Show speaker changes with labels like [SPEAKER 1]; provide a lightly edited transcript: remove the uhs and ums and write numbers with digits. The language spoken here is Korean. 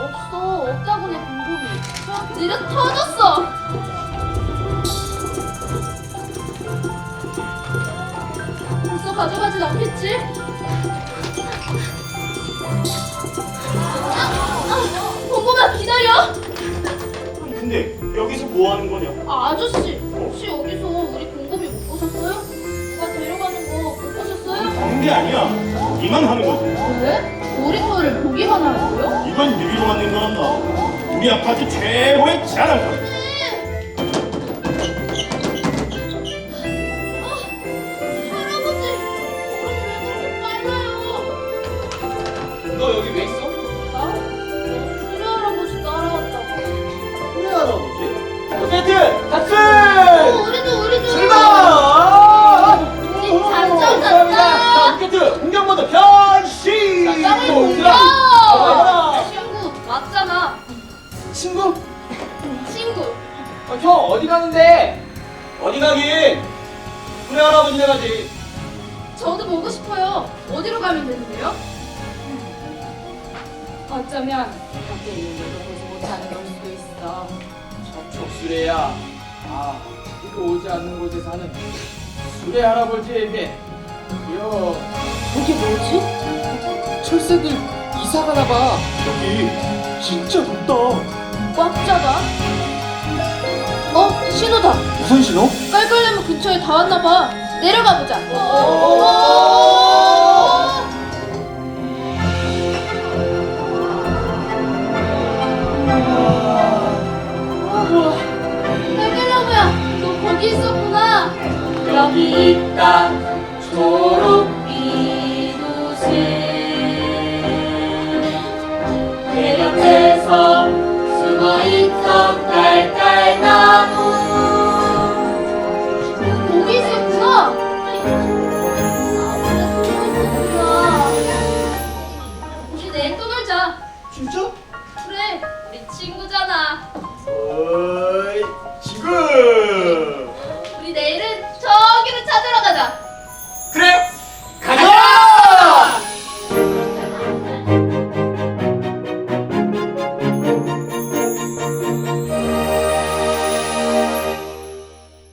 [SPEAKER 1] 없다고 내 공급이. 느려 터졌어. 벌써 가져가진 않겠지? 공급아 기다려.
[SPEAKER 2] 근데 여기서 뭐 하는 거냐?
[SPEAKER 1] 아저씨, 혹시 여기서 우리 공급이 못 보셨어요? 누가 데려가는 거 못 보셨어요?
[SPEAKER 2] 하는 게 아니야. 보기만 하는 거지.
[SPEAKER 1] 왜? 우리 거를 보기만 하라고요?
[SPEAKER 2] 이건 유리로 만든 거란다. 우리 아파트 최고의 자랑거리.
[SPEAKER 1] 할아버지, 그럼 왜 그렇게 빨라요?
[SPEAKER 3] 너 여기 왜 있어?
[SPEAKER 1] 나? 수리 할아버지 따라왔다고.
[SPEAKER 3] 우리 할아버지? 어쨌든 탑승!
[SPEAKER 1] 우리도.
[SPEAKER 3] 출발!
[SPEAKER 1] 우리 작전 갔다.
[SPEAKER 3] 로켓 공격 모드 변신!
[SPEAKER 1] 짱을 공격!
[SPEAKER 3] 가봐라.
[SPEAKER 1] 친구 맞잖아.
[SPEAKER 3] 친구?
[SPEAKER 1] 친구.
[SPEAKER 3] 형 어디 가는데? 어디 가긴? 우리 할아버지네 가지.
[SPEAKER 1] 저도 보고 싶어요. 어디로 가면 되는데요?
[SPEAKER 4] 어쩌면 밖에 있는 것도 보지 못하는 걸 수도 있어.
[SPEAKER 3] 저쪽 수레야. 아, 이거 오지 않는 곳에 사는 수레 할아버지에게
[SPEAKER 4] 이게 뭐지?
[SPEAKER 3] 철새들 이사 가나 봐.
[SPEAKER 2] 여기 진짜 높다.
[SPEAKER 1] 꽉 잡아. 신호다.
[SPEAKER 2] 무슨 신호?
[SPEAKER 1] 깔깔나무 근처에 다 왔나 봐. 내려가 보자.